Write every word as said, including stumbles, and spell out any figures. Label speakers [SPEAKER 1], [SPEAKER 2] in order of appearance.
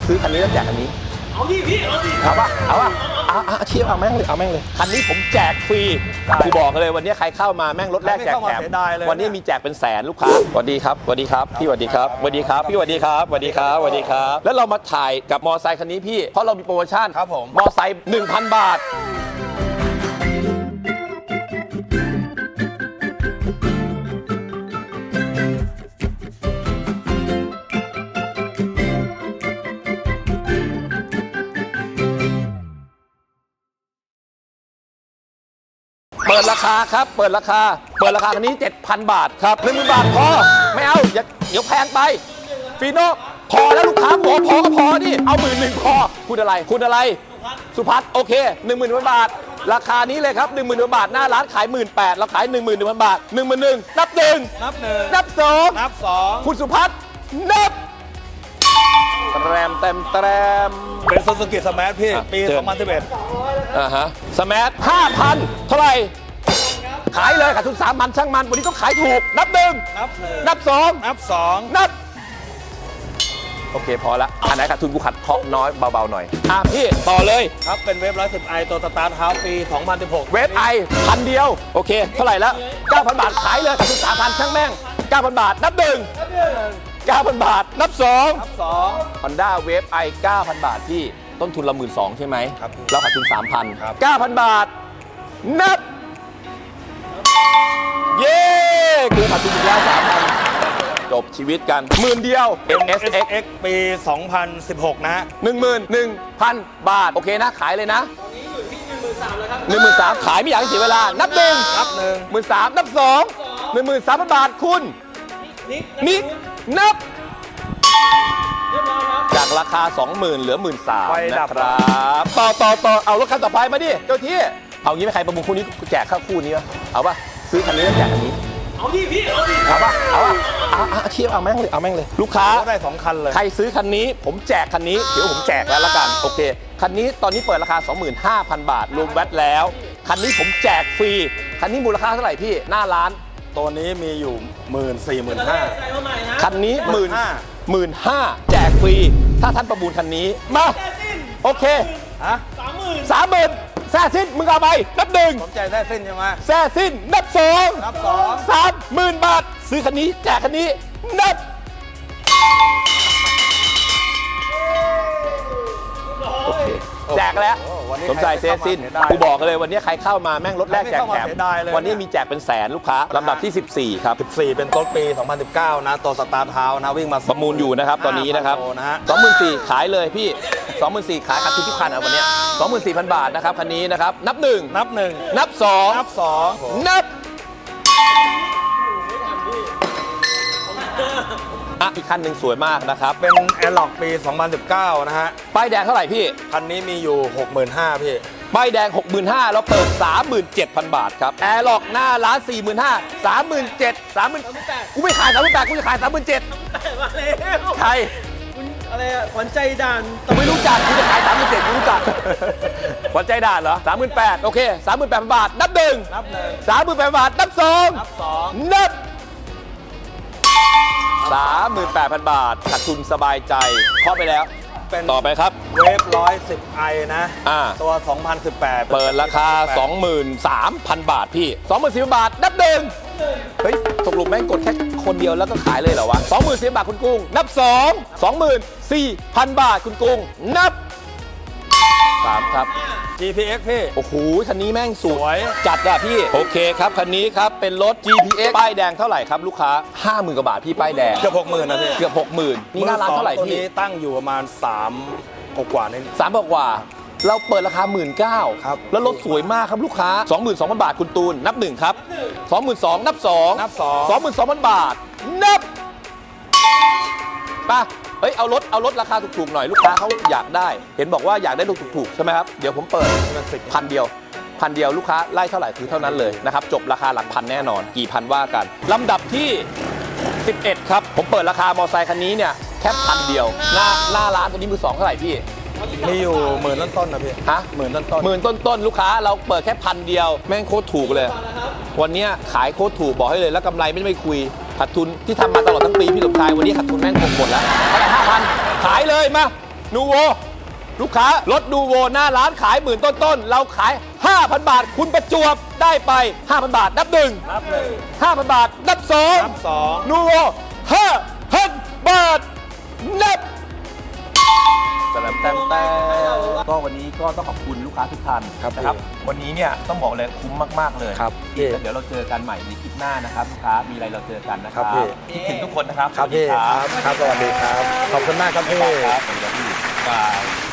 [SPEAKER 1] ซื้อคันนี้แล้วแจกคันนี้เอาดิพี่เอาดิเอาป่ะเอาป่ะเอาเอาเชียร์เอาแม่งเลยเอาแม่งเลยคันนี้ผมแจกฟรีกูบอกเลยวันนี้ใครเข้ามาแม่งรถแรกแจกแถมวันนี้มีแจกเป็นแสนลูกค้าสวัสดีครับสวัสดีครับพี่สวัสดีครับสวัสดีครับพี่สวัสดีครับสวัสดีครับสวัสดีครับแล้วเรามาถ่ายกับมอไซค์คันนี้พี่เพราะเรามีโปรโมชั่นครับผมมอไซค์ หนึ่งพัน บาทเปิดราคาครับเปิดราคาเปิดราคาคันนี้ เจ็ดพัน บาทครับ หนึ่งหมื่น บาทพอไม่เอาอย่าเดี๋ยวแพงไปฟีโน่พอแล้วลูกค้าพอพอก็พอดิเอาหมื่นหนึ่งพอคุณอะไรคุณอะไรสุพัฒน์โอเค หนึ่งหมื่น บาทราคานี้เลยครับ หนึ่งหมื่น บาทหน้าร้านขาย หนึ่งหมื่นแปดพัน เราขาย หนึ่งหมื่นหนึ่งพัน บาท หนึ่งหมื่นหนึ่งนับหนึ่ง
[SPEAKER 2] นับหนึ่ง
[SPEAKER 1] นับสอง
[SPEAKER 2] นับสอง
[SPEAKER 1] คุณสุพัฒน์นับแรมเต็มแรม
[SPEAKER 2] เป็นซูซูกิสมาร์ทพี่ปีสองพันสิบเอ็ด
[SPEAKER 1] อ่าฮะสมาร์ท ห้าพัน เท่าไหร่ขายเลยขาดทุนสามพันช่างมันวันนี้ต้องขายถูกนับหนึ่ง
[SPEAKER 2] นับหนึ่ง
[SPEAKER 1] นับสอง
[SPEAKER 2] นับสอง
[SPEAKER 1] นับโอเคพอละอันไหนขาดทุนกูขัดเคาะน้อยเบาๆหน่อยอ่ะพี่ต่อเลย
[SPEAKER 2] ครับเป็นเวฟร้อยสิบไอตัวสตาร์ทเฮาส์ปีสองพันสิบหก
[SPEAKER 1] เวฟไอพันเดียวโอเคเท่าไหร่แล้ว เก้าพัน บาทขายเลยขาดทุนสามพันช่างแม่ง เก้าพัน บาทนับหนึ่งเก้าพัน บาทนับสอง
[SPEAKER 2] นับสอง
[SPEAKER 1] Honda Wave i เก้าพัน บาทพี่ต้นทุนเรา หนึ่งหมื่นสองพัน ใช่ไหม
[SPEAKER 2] ครับ
[SPEAKER 1] เราขาดทุน สามพัน
[SPEAKER 2] ครับ
[SPEAKER 1] เก้าพัน บาทนับเย้กูขาดทุนอีกแล้ว สามพัน จบชีวิตกันหมื่นเดียว เอ็ม เอส เอ็กซ์
[SPEAKER 2] เอ็กซ์ปีสองพันสิบหกนะฮะ
[SPEAKER 1] หนึ่งหมื่นหนึ่งพัน บาทโอเคนะขายเลยนะตอนนี้อยู่ที่ หนึ่งหมื่นสามพัน แล้วครับ หนึ่งหมื่นสามพัน ขายไม่อยากให้เสียเวลานับหนึ่ง
[SPEAKER 2] นับหนึ่ง
[SPEAKER 1] หมื่นสามนับสองหนึ่งหมื่นสามพัน บาทคุณนิกนับจากราคา สองหมื่น เหลือ หนึ่งหมื่นสามพัน นะครับต่อต่อต่อเอารถคันต่อไปมาดิเจ้าที่เอางี้ไหมใครประมูลคู่นี้แจกข้าวคู่นี้ป่ะเอาป่ะซื้อคันนี้แล้วแจกคันนี้เอาดิพี่เอาดิเอาป่ะเอาป่ะเอาเอาเชียร์เอาแม่งเลยเอาแม่งเลยลูกค้า
[SPEAKER 2] ได้สองคันเลย
[SPEAKER 1] ใครซื้อคันนี้ผมแจกคันนี้เดี๋ยวผมแจกแล้วละกันโอเคคันนี้ตอนนี้เปิดราคา สองหมื่นห้าพัน บาทรวมแวตแล้วคันนี้ผมแจกฟรีคันนี้มูลค่าเท่าไหร่พี่หน้าร้าน
[SPEAKER 2] ตัวนี้มีอยู่หมื่นสี่หมื่นห้า
[SPEAKER 1] คันนี้หมื่นหมื่นห้าแจกฟรีถ้าท่านประมูลคันนี้มาโอเค
[SPEAKER 2] ฮะ
[SPEAKER 1] สามหมื่นสามหมื่นแซ่สิ้นมึงเอาไปนับหนึ่ง
[SPEAKER 2] ผมใจแซ่สิ้นใช่ไหม
[SPEAKER 1] แซ่สิ้นนับสอง
[SPEAKER 2] นับสอง
[SPEAKER 1] สามหมื่นบาทซื้อคันนี้แจกคันนี้นับโอเคแจกแล้วสมใจเซสิ้นกูบอกเลยวันนี้ใครเข้ามาแม่งรถแรกแจกแถมวันนี้มีแจกเป็นแสนลูกค้าลำดับที่สิบสี่ครับ
[SPEAKER 2] สิบสี่เป็นต้นปีสองพันสิบเก้านะตัวสตาร์ทเฮาส์นะวิ่งมา
[SPEAKER 1] ประมูลอยู่นะครับตอนนี้นะครับ สองหมื่นสี่พัน ขายเลยพี่ สองหมื่นสี่พัน ขายคันทุกคันเอาวันนี้ สองหมื่นสี่พัน บาทนะครับคันนี้นะครับนับหนึ่ง
[SPEAKER 2] นับหนึ่ง
[SPEAKER 1] นับสอง
[SPEAKER 2] นับสอง
[SPEAKER 1] นับอ่ะอีกคันหนึ่งสวยมากนะครับ
[SPEAKER 2] เป็นแอร์ล็อกปีสองพันสิบเก้านะฮะ
[SPEAKER 1] ป้ายแดงเท่าไหร่พี่
[SPEAKER 2] คันนี้มีอยู่ หกหมื่นห้าพัน พี่
[SPEAKER 1] ป้ายแดง หกหมื่นห้าพัน เราเปิด สามหมื่นเจ็ดพัน บาทครับแอร์ล็อกหน้าร้าน สี่หมื่นห้าพัน สามหมื่นเจ็ดพัน สามหมื่นกูไม่ขาย สามหมื่นแปดพัน กูจะขาย สามหมื่นเจ็ดพัน มาแล้วใคร
[SPEAKER 3] คุณอะไรอ่ะขวัญใจด่าน
[SPEAKER 1] ไม่รู้จักกูจะขาย สามหมื่นเจ็ดพัน กูรู้จักขวัญใจด่านเหรอ สามหมื่นแปดพัน โอเค สามหมื่นแปดพัน บาทนับหนึ่ง
[SPEAKER 2] นับหนึ่ง
[SPEAKER 1] สามหมื่นแปดพัน บาทนับสอง
[SPEAKER 2] นับสอง
[SPEAKER 1] นับสามหมื่นแปดพัน บาทขาดทุนสบายใจเคาะไปแล้ว
[SPEAKER 2] เป็น
[SPEAKER 1] ต่อไปครับ
[SPEAKER 2] เวฟร้อยสิบไอนะตัวสองพันสิบแปด
[SPEAKER 1] เปิดราคา สองหมื่นสามพัน บาทพี่ สองหมื่นสี่พัน บาทนับหนึ่งเฮ้ยตกลงแม่งกดแค่คนเดียวแล้วก็ขายเลยเหรอวะ สองหมื่นสี่พัน บาทคุณกุ้งนับสอง สองหมื่นสี่พัน บาทคุณกุ้งนับสามครับ
[SPEAKER 2] จี พี เอ็กซ์ พี่
[SPEAKER 1] โอ้โหคันนี้แม่งสวยจัดอะพี่โอเคครับคันนี้ครับเป็นรถ จี พี เอ็กซ์ ป้ายแดงเท่าไหร่ครับลูกค้า ห้าหมื่น กว่าบาทพี่ป้ายแดง
[SPEAKER 2] เกือบ หกหมื่น นะพี่
[SPEAKER 1] เกือบ หกหมื่น นี่หน้าร้านเท่าไหร่พี่
[SPEAKER 2] ตัวนี้ตั้งอยู่ประมาณสามกว่าๆนี่
[SPEAKER 1] สามกว่าเราเปิดราคา หนึ่งหมื่นเก้าพัน
[SPEAKER 2] ครับ
[SPEAKER 1] แล้วรถสวยมากครับลูกค้า สองหมื่นสองพัน บาทคุณตูนนับหนึ่งครับ สองหมื่นสองพัน นับสอง
[SPEAKER 2] นับสอง
[SPEAKER 1] สองหมื่นสองพัน บาทนับป่ะเฮ้ยเอารถเอารถราคาถูกๆหน่อยลูกค้าเขาอยากได้เห็นบอกว่าอยากได้รถถูกๆใช่ไหมครับเดี๋ยวผมเปิดพันเดียวพันเดียวลูกค้าไล่เท่าไหร่คือเท่านั้นเลยนะครับจบราคาหลักพันแน่นอนกี่พันว่ากันลำดับที่สิบเอ็ดครับผมเปิดราคามอเตอร์ไซค์คันนี้เนี่ยแค่พันเดียวหน้าหน้าร้านตัวนี้มือสองเท่าไหร่พี่
[SPEAKER 2] มีอยู่หมื่นต้นๆนะพี่
[SPEAKER 1] ฮะหมื่นต้นต้นหมื่นต้นต้นลูกค้าเราเปิดแค่พันเดียวแม่งโคตรถูกเลยวันนี้ขายโคตรถูกบอกให้เลยแล้วกำไรไม่ไม่คุยขาดทุนที่ทำมาตลอดทั้งปีพี่สมชายวันนี้ขาดทุนแม่งคงหมดแล้วเท่าไหร่ห้าพันขายเลยมานูโวลูกค้ารถนูโวหน้าร้านขายหมื่นต้นๆเราขาย ห้าพัน บาท คุณประจวบได้ไป ห้าพัน บาทนับหนึ่ง
[SPEAKER 2] นับหนึ่ง
[SPEAKER 1] ห้าพัน บาทนับสอง
[SPEAKER 2] นับสอง
[SPEAKER 1] นูโวห้าพัน บาทนับแต้มแต้มแต้มก็วันนี้ก็ต้องขอบคุณลูกค้าทุกท่าน
[SPEAKER 2] ครับ
[SPEAKER 1] นะครับ วันนี้เนี่ยต้องบอกเลยคุ้มมากๆเลย
[SPEAKER 2] ครับ
[SPEAKER 1] อีกแล้วเดี๋ยวเราเจอกันใหม่ในคลิปหน้านะครับลูกค้ามีอะไรเราเจอกันนะค
[SPEAKER 2] ครั
[SPEAKER 1] รับบ
[SPEAKER 2] พี่
[SPEAKER 1] คิดถึงทุกคนนะครับ
[SPEAKER 2] ครับพี่ครับครับสวัสดีครับ ขอบคุณมากครับพี่
[SPEAKER 1] ครับสวัสดีครับพี่บาย